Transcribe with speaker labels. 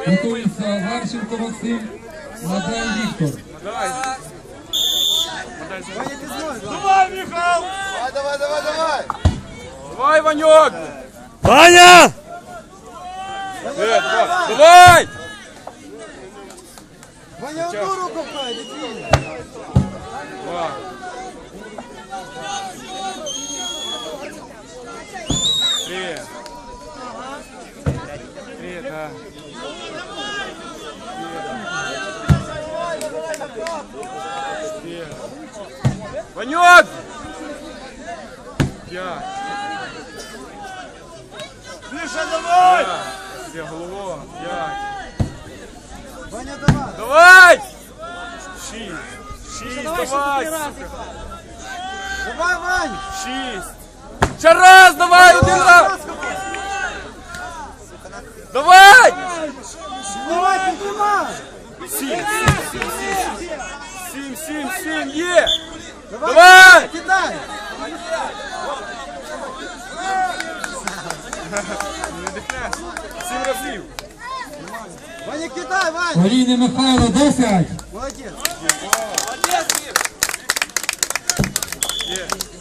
Speaker 1: Готується Варченко Максим, Мадай Віктор.
Speaker 2: Давай, Михал!
Speaker 3: Давай, давай, давай!
Speaker 2: Давай, Ванек!
Speaker 4: Ваня!
Speaker 2: Давай!
Speaker 3: Ваня, одну руку пхай, дитина!
Speaker 2: Два. Три. Три, да. Ванек! Пять.
Speaker 3: Миша, давай!
Speaker 2: Где голову? Пять.
Speaker 3: Ваня, давай!
Speaker 2: Давай! Шесть, давай, сука.
Speaker 3: Давай, Вань!
Speaker 2: Шесть. Ще раз, давай, один раз. Давай!
Speaker 3: Давай, поднимай!
Speaker 2: Сім, є!
Speaker 3: Давай!
Speaker 2: Давай!
Speaker 3: Кидай!
Speaker 2: Не дихне. 7 разів.
Speaker 3: Ваня, кидай, Вань!
Speaker 1: Олійний Михайло, 10.
Speaker 3: Молодец!
Speaker 2: Є.